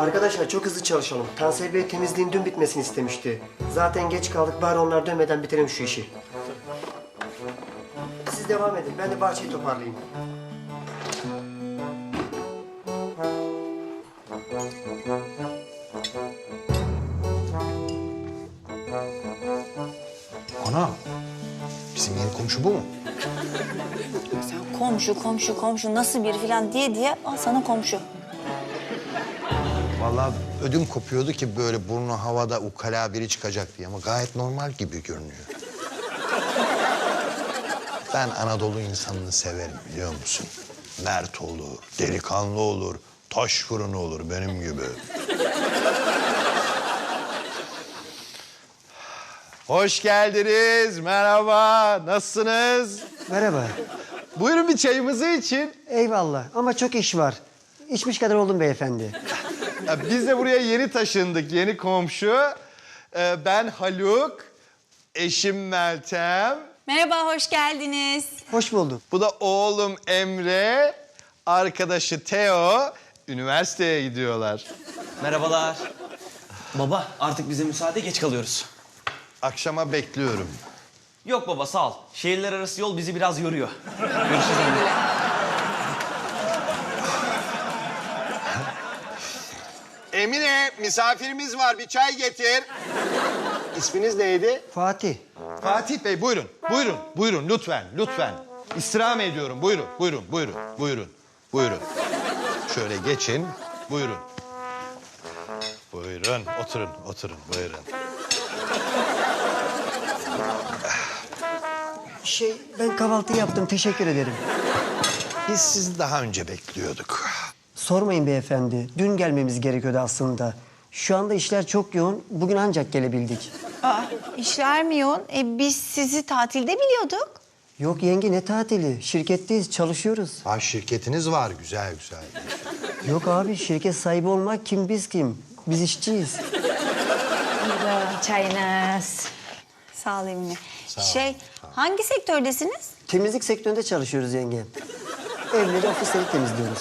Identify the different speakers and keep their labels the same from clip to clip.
Speaker 1: Arkadaşlar çok hızlı çalışalım. Tansel Bey temizliğin dün bitmesini istemişti. Zaten geç kaldık, bari onlar dönmeden bitirelim şu işi. Siz devam edin, ben de bahçeyi toparlayayım.
Speaker 2: Ana, bizim yeni komşu bu mu?
Speaker 3: Sen komşu nasıl biri falan diye al sana komşu.
Speaker 2: Vallahi ödüm kopuyordu ki böyle burnu havada ukala biri çıkacak diye ama gayet normal gibi görünüyor. Ben Anadolu insanını severim biliyor musun? Mert olur, delikanlı olur, taş fırını olur benim gibi. Hoş geldiniz, merhaba, nasılsınız?
Speaker 1: Merhaba.
Speaker 2: Buyurun bir çayımızı için.
Speaker 1: Eyvallah ama çok iş var. İçmiş kadar oldum beyefendi.
Speaker 2: Ya biz de buraya yeni taşındık, yeni komşu. Ben Haluk, eşim Meltem.
Speaker 3: Merhaba, hoş geldiniz.
Speaker 1: Hoş bulduk.
Speaker 2: Bu da oğlum Emre, arkadaşı Teo. Üniversiteye gidiyorlar.
Speaker 4: Merhabalar. Baba artık bize müsaade, geç kalıyoruz.
Speaker 2: Akşama bekliyorum.
Speaker 4: Yok baba sağ ol. Şehirler arası yol bizi biraz yoruyor. Görüşürüz Emre.
Speaker 2: Emine, misafirimiz var. Bir çay getir. İsminiz neydi?
Speaker 1: Fatih.
Speaker 2: Fatih Bey, buyurun. Buyurun, buyurun. Lütfen, lütfen. İstirham ediyorum. Buyurun, buyurun, buyurun, buyurun. Buyurun. Şöyle geçin. Buyurun. Buyurun, oturun, oturun. Buyurun.
Speaker 1: Ben kahvaltı yaptım, teşekkür ederim.
Speaker 2: Biz sizi daha önce bekliyorduk.
Speaker 1: Sormayın beyefendi, dün gelmemiz gerekiyordu aslında. Şu anda işler çok yoğun, bugün ancak gelebildik.
Speaker 3: İşler mi yoğun? Biz sizi tatilde biliyorduk.
Speaker 1: Yok yenge, ne tatili? Şirketteyiz, çalışıyoruz.
Speaker 2: Ha, şirketiniz var. Güzel, güzel.
Speaker 1: Yok abi, şirket sahibi olmak kim biz kim? Biz işçiyiz.
Speaker 3: Çayınız. Sağ ol Emine. Hangi sektördesiniz?
Speaker 1: Temizlik sektöründe çalışıyoruz yenge. Evleri, ofisleri temizliyoruz.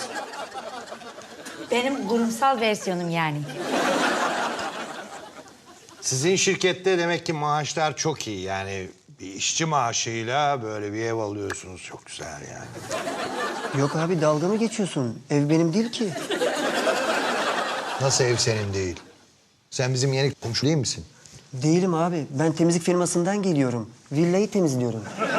Speaker 5: Benim kurumsal versiyonum yani.
Speaker 2: Sizin şirkette demek ki maaşlar çok iyi. Yani bir işçi maaşıyla böyle bir ev alıyorsunuz. Çok güzel yani.
Speaker 1: Yok abi, dalga mı geçiyorsun? Ev benim değil ki.
Speaker 2: Nasıl ev senin değil? Sen bizim yeni komşu değil misin?
Speaker 1: Değilim abi, ben temizlik firmasından geliyorum. Villayı temizliyorum.